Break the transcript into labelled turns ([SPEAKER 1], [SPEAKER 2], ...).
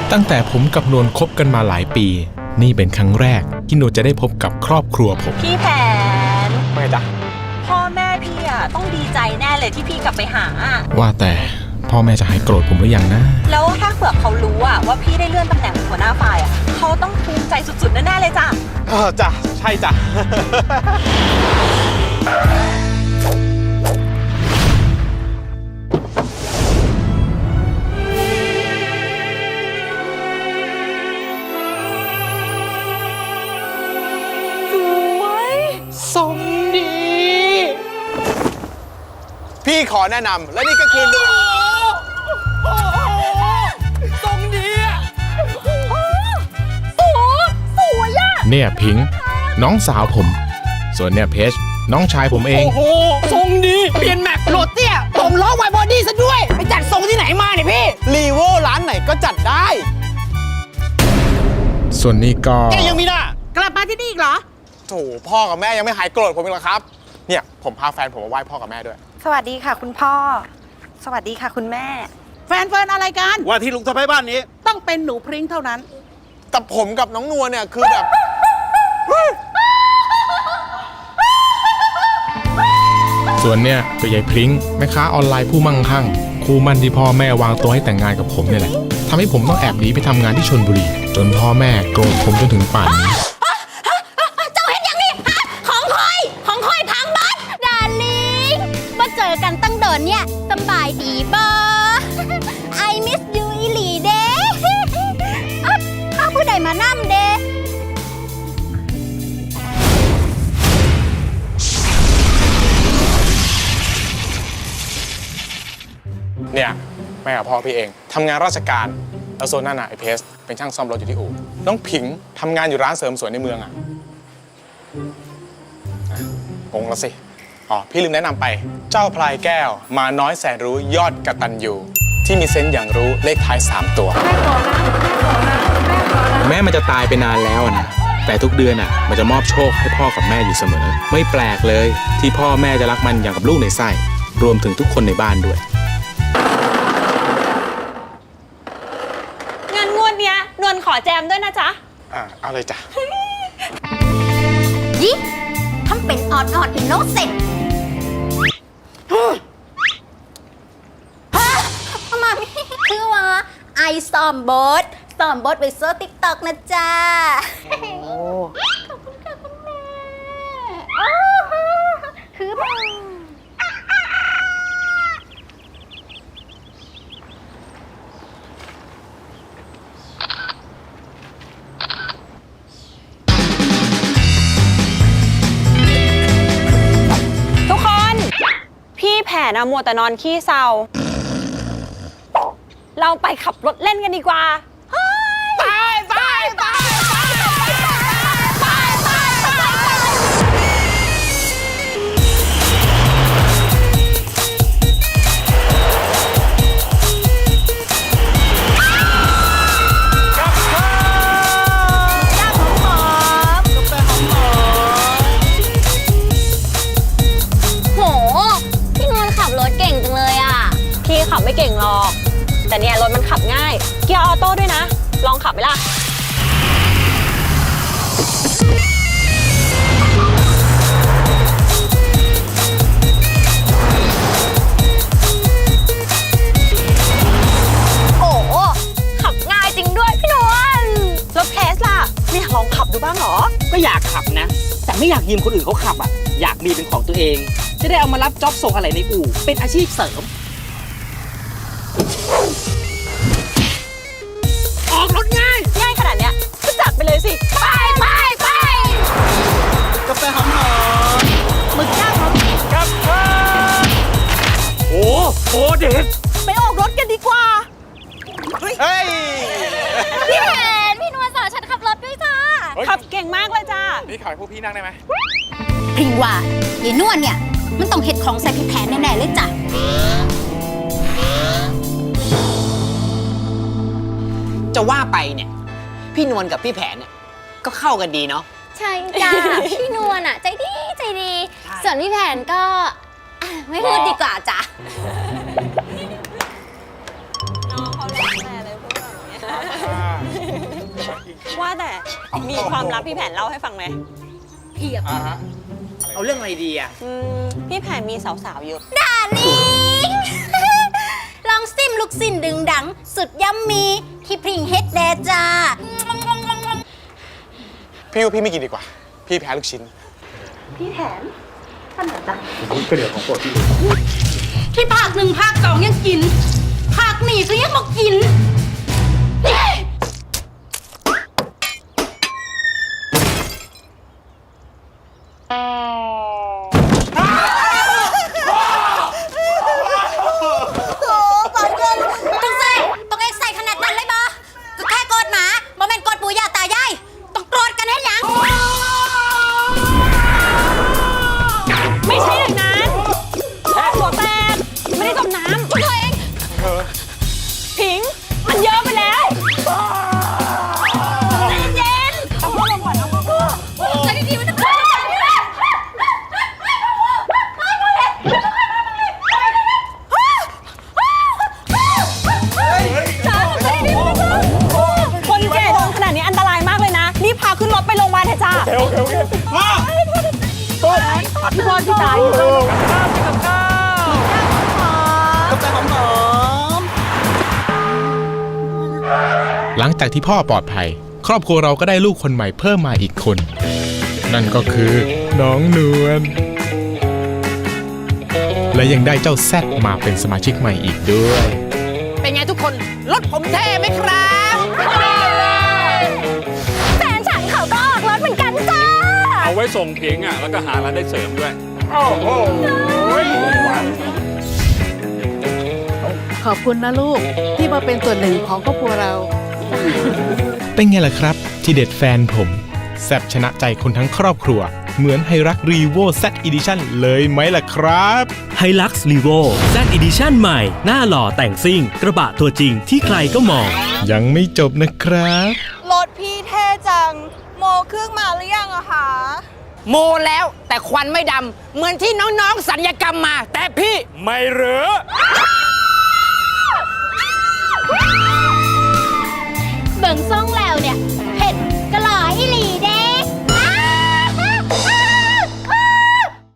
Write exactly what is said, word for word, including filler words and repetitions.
[SPEAKER 1] ตั้งแต่ผมกับนวลคบกันมาหลายปีนี่เป็นครั้งแรกที่นวลจะได้พบกับครอบครัวผม
[SPEAKER 2] พี่แผน
[SPEAKER 1] ไม่จ๊ะ
[SPEAKER 2] พ่อแม่พี่อ่ะต้องดีใจแน่เลยที่พี่กลับไปหา
[SPEAKER 1] ว่าแต่พ่อแม่จะหายโกรธผมหรือยังนะ
[SPEAKER 2] แล้วถ้าเผื่อเขารู้อ่ะว่าพี่ได้เลื่อนตำแหน่งหัวหน้าฝ่ายอ่ะเขาต้องภูมิใจสุดๆแน่ๆเลยจ้ะ
[SPEAKER 3] เออจ้ะใช่จ้ะ
[SPEAKER 2] สมดี
[SPEAKER 3] พี่ขอแนะนำและนี่ก็คือหนู
[SPEAKER 2] สมดีอะสวยสวยอะ
[SPEAKER 1] เนี่ยพิงค์น้องสาวผมส่วนเนี่ยเพชรน้องชายผมเอง
[SPEAKER 4] โอ้โหทรงดีเปลี่ยนแม็กโหลดเตี้ยผมล้อไวบอดี้ซะด้วยไปจัดทรงที่ไหนมาเนี่ยพี่
[SPEAKER 3] รีโวร้านไหนก็จัดได้
[SPEAKER 1] ส่วนนี้ก็
[SPEAKER 4] แกยังมีหน้ากลับมาที่นี่อีกเหรอ
[SPEAKER 3] โถพ่อกับแม่ยังไม่หายโกรธผมอีกเหรอครับเนี่ยผมพาแฟนผมมาไหว้พ่อกับแม่ด้วย
[SPEAKER 2] สวัสดีค่ะคุณพ่อสวัสดีค่ะคุณแม่
[SPEAKER 4] แฟนเฟิร์นอะไรกัน
[SPEAKER 5] ว่าที่ลุงทำให้บ้านนี้
[SPEAKER 4] ต้องเป็นหนูพริ้งเท่านั้น
[SPEAKER 3] แต่ผมกับน้องนัวเนี่ยคือแบบ
[SPEAKER 1] ส่วนเนี่ยก็ยายพริ้งแม่ค้าออนไลน์ผู้มั่งคั่งคู่มั่นที่พ่อแม่วางตัวให้แต่งงานกับผมเนี่ยแหละทำให้ผมต้องแอบหนีไปทำงานที่ชลบุรีจนพ่อแม่โกรธผมจนถึงป่านนี้
[SPEAKER 6] เจ้าเห็นอย่างนี้ฮะของคอยของคอยพังบัดดาลิงมาเจอกันตั้งเดินเนี่ยสบายดีบ่ I miss you อีหลีเด้ข้าผู้ใดมานั่มเด้
[SPEAKER 3] เนี่ยแม่กับพ่อพี่เองทำงานราชการแล้วโซนหน้าหนาไอเพสเป็นช่างซ่อมรถอยู่ที่อู่น้องผิงทำงานอยู่ร้านเสริมสวยในเมืองอ่ะงงแล้วสิอ๋อพี่ลืมแนะนำไปเจ้าพลายแก้วมาน้อยแสนรู้ยอดกตัญญูที่มีเซนส์อย่างรู้เลขท้ายสามตัว
[SPEAKER 1] แม่มันจะตายไปนานแล้วนะแต่ทุกเดือนอ่ะมันจะมอบโชคให้พ่อกับแม่อยู่เสมอไม่แปลกเลยที่พ่อแม่จะรักมันอย่างกับลูกในไส้รวมถึงทุกคนในบ้านด้วย
[SPEAKER 2] งานงวดเนี้ยนวลขอแจมด้วยนะจ๊ะ
[SPEAKER 3] อ่าเอาเลยจ้ะ
[SPEAKER 6] ยิทำเป็นออดออดอินโนเซนต์มามีคือว่าไอซ้อมบทซ้อมบทไปโซ่ติ๊กต็อกนะจ๊ะขอบคุณค่ะคุณแม่คือบ้า
[SPEAKER 2] แผนอะมัวแต่นอนขี้เศร้าเราไปขับรถเล่นกันดีกว่า
[SPEAKER 4] ไปไปไปไป
[SPEAKER 2] ขับไม่เก่งหรอกแต่เนี่ยรถมันขับง่ายเกียร์ออโต้ด้วยนะลองขับไหมล่ะโอ้ขับง่ายจริงด้วยพี่นวลรถเพสล่ะไม่ลองขับดูบ้างหรอ
[SPEAKER 4] ก็อยากขับนะแต่ไม่อยากยืมคนอื่นเขาขับอ่ะอยากมีเป็นของตัวเองจะได้เอามารับจ็อบส่งอะไรในอู่เป็นอาชีพเสริมออกรถง่าย
[SPEAKER 2] ง่ายขนาดเนี้ยก็จัดไปเลยสิ
[SPEAKER 6] ไปไปไป
[SPEAKER 5] กาแฟหอมหอม
[SPEAKER 4] หมึกย่างครับ
[SPEAKER 5] ครับโอ้โหเด็ด
[SPEAKER 2] ไปออกรถกันดีกว่า
[SPEAKER 3] เฮ้ย
[SPEAKER 6] พี่แผนพี่นวลสอนฉันขับรถด้วยจ้า
[SPEAKER 2] ขับเก่งมากเลยจ้า
[SPEAKER 3] นี่ขอให้พวกพี่นั่งได้ไหม
[SPEAKER 6] พิงว่ายายนวลเนี่ยมันต้องเห็ดของใส่พี่แผนแน่ๆเลยจ้ะ
[SPEAKER 4] จะว่าไปเนี่ยพี่นวลกับพี่แผนเนี่ยก็เข้ากันดีเนาะ
[SPEAKER 6] ใช่จ้า พี่นวลอ่ะใจดีใจดีส่วนพี่แผนก็ไม่พูดดีกว่าจ้ะ
[SPEAKER 2] น้องเขาเล่นแม่เลยพูดแบบนี้ว่าแต่มีความลับพี่แผนเล่าให้ฟังไหม
[SPEAKER 6] เพียบ
[SPEAKER 4] เอาเรื่องอะไรดีอ่ะ
[SPEAKER 2] อืมพี่แผนมีสาวๆเยอะ
[SPEAKER 6] ดาลิง ลองซิมลูกสิ้นดึงดัง สุดยัมมีที่พริงเฮ็ดแดจ้า
[SPEAKER 3] พี่ว่าพี่ไม่กินดีกว่า พี่แพ้ลูกชิ้น
[SPEAKER 6] ที่ภาคหนึ่งภาคสองยังกิน ภาคนี้ก็ยังบอกกิน ต้องใส่ต้องเอ็กใส่ขนาดนั้นเลยบอก็แค่โกรธหมาบอแม่นโกรธปู่ย่าตายายต้องโกรธกันให้หยัง
[SPEAKER 2] ไม่ใช่อย่างนั้นหัวแตกไม่ได้จมน้ำช่วยตัวเองผิง มันเยอะไปแล้วใจเย็นๆเอาพ่อลงก่อนเอาพ่อใจดีๆมันจะเกิดอะไรขึ้นคนแก่โดนขนาดนี้อันตรายมากเลยนะ รีบพาขึ้นรถไปโรงพยาบาลเถอะจ้า
[SPEAKER 3] โอเคโอเคโอเคพ่อ
[SPEAKER 2] พี่พรพี่จ๋าอยู่กับข้าวกับข้าว
[SPEAKER 1] หลังจากที่พ่อปลอดภัย ครอบครัวเราก็ได้ลูกคนใหม่เพิ่มมาอีกคน นั่นก็คือน้องนวลและยังได้เจ้าแซดมาเป็นสมาชิกใหม่อีกด้วย
[SPEAKER 4] เป็นไงทุกคน รถผมเท่ไหมครับ
[SPEAKER 6] แฟนฉันเขาก็ออกรถเหมือนกันจ้า
[SPEAKER 5] เอาไว้ส่งเพียงอ่ะ แล้วก็หารายได้เสริมด้วย
[SPEAKER 7] ขอบคุณนะลูก ที่มาเป็นส่วนหนึ่งของครอบครัวเรา
[SPEAKER 1] เป็นไงล่ะครับ ที่เด็ดแฟนผมแซบชนะใจคนทั้งครอบครัว เหมือนไฮรักรีโว Z Edition เลยไหมล่ะครับ
[SPEAKER 8] ไฮลักซ์ลีโว Z Edition ใหม่ หน้าหล่อแต่งซิ่ง กระบะตัวจริงที่ใครก็มอง
[SPEAKER 1] ยังไม่จบนะครับ
[SPEAKER 2] รถพี่เท่จัง โมเครื่องมาหรือยังอะคะ
[SPEAKER 4] โมแล้วแต่ควันไม่ดำ เหมือนที่น้องๆสัญญกรรมมา แต่พี่
[SPEAKER 5] ไม่เหรอ